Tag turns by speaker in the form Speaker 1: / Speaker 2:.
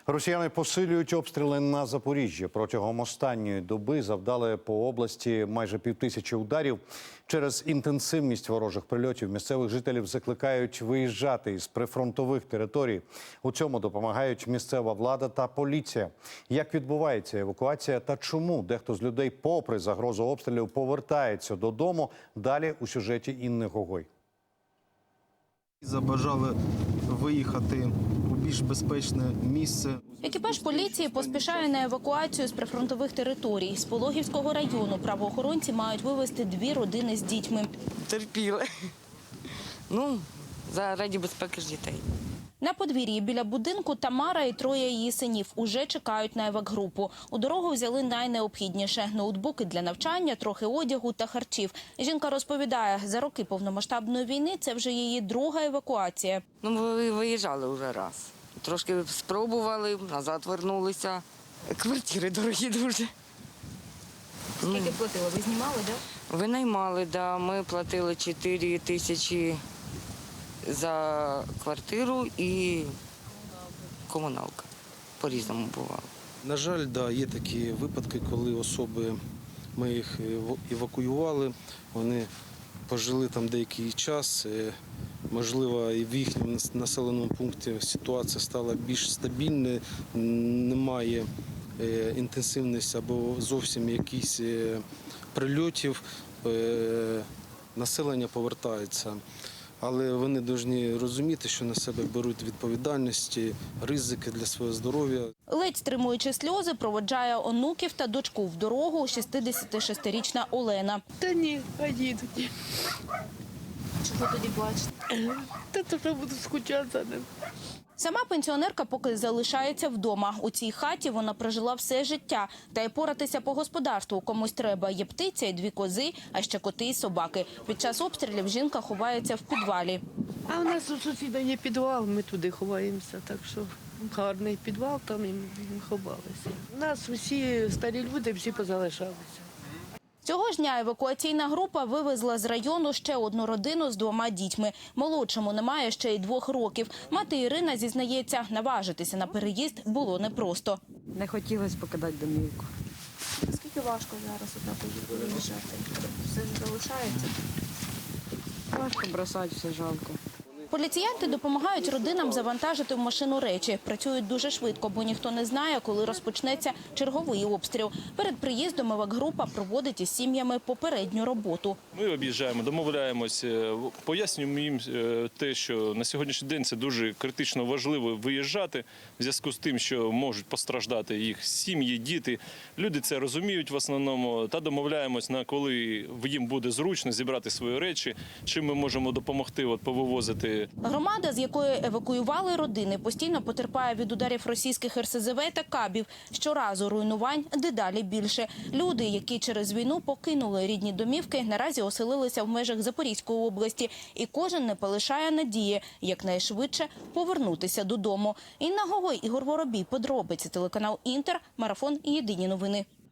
Speaker 1: Росіяни посилюють обстріли на Запоріжжі. Протягом останньої доби завдали по області майже 5000 ударів. Через інтенсивність ворожих прильотів місцевих жителів закликають виїжджати із прифронтових територій. У цьому допомагають місцева влада та поліція. Як відбувається евакуація та чому дехто з людей, попри загрозу обстрілів, повертається додому? Далі у сюжеті Інни Гогой.
Speaker 2: Забажали виїхати у більш безпечне місце.
Speaker 3: Екіпаж поліції поспішає на евакуацію з прифронтових територій. З Пологівського району правоохоронці мають вивезти 2 родини з дітьми.
Speaker 4: Терпіли. Заради безпеки ж дітей.
Speaker 3: На подвір'ї біля будинку Тамара і 3 її синів уже чекають на евакгрупу. У дорогу взяли найнеобхідніше – ноутбуки для навчання, трохи одягу та харчів. Жінка розповідає, за роки повномасштабної війни це вже її друга евакуація.
Speaker 4: Ми виїжджали вже раз. Трошки спробували, назад вернулися. Квартири дорогі дуже.
Speaker 3: Скільки платили? Ви знімали, так?
Speaker 4: Винаймали, да. Ми платили 4 тисячі за квартиру і комуналка. По-різному бувало.
Speaker 2: На жаль, є такі випадки, коли особи, ми їх евакуювали, вони пожили там деякий час. Можливо, і в їхньому населеному пункті ситуація стала більш стабільною, немає інтенсивності або зовсім якихось прильотів, населення повертається. Але вони повинні розуміти, що на себе беруть відповідальності, ризики для свого здоров'я.
Speaker 3: Ледь стримуючи сльози, проводжає онуків та дочку в дорогу 66-річна Олена.
Speaker 5: Та ні, поїдуть.
Speaker 3: Чого тоді плачете?
Speaker 5: Та то вже буду скучати за ним.
Speaker 3: Сама пенсіонерка поки залишається вдома. У цій хаті вона прожила все життя. Та й поратися по господарству комусь треба. Є птиця і 2 кози, а ще коти і собаки. Під час обстрілів жінка ховається в підвалі.
Speaker 5: А у нас у сусіда є підвал, ми туди ховаємося, так що гарний підвал, там і ми ховалися. У нас усі старі люди, всі позалишалися.
Speaker 3: Цього ж дня евакуаційна група вивезла з району ще 1 родину з 2 дітьми. Молодшому немає ще й 2 років. Мати Ірина зізнається, наважитися на переїзд було непросто.
Speaker 6: Не хотілося покидати домівку.
Speaker 3: Наскільки важко зараз отак виїжджати? Все ж залишається?
Speaker 6: Важко бросати, все жалко.
Speaker 3: Поліціянти допомагають родинам завантажити в машину речі. Працюють дуже швидко, бо ніхто не знає, коли розпочнеться черговий обстріл. Перед приїздом евакгрупа проводить із сім'ями попередню роботу.
Speaker 7: Ми об'їжджаємо, домовляємось, пояснюємо їм те, що на сьогоднішній день це дуже критично важливо виїжджати в зв'язку з тим, що можуть постраждати їх сім'ї, діти. Люди це розуміють в основному та домовляємось, на коли їм буде зручно зібрати свої речі, чим ми можемо допомогти повивозити.
Speaker 3: Громада, з якої евакуювали родини, постійно потерпає від ударів російських РСЗВ та кабів. Щоразу руйнувань дедалі більше. Люди, які через війну покинули рідні домівки, наразі оселилися в межах Запорізької області. І кожен не полишає надії якнайшвидше повернутися додому. Інна Гогой, Ігор Воробій. Подробиці. Телеканал Інтер. Марафон. Єдині новини.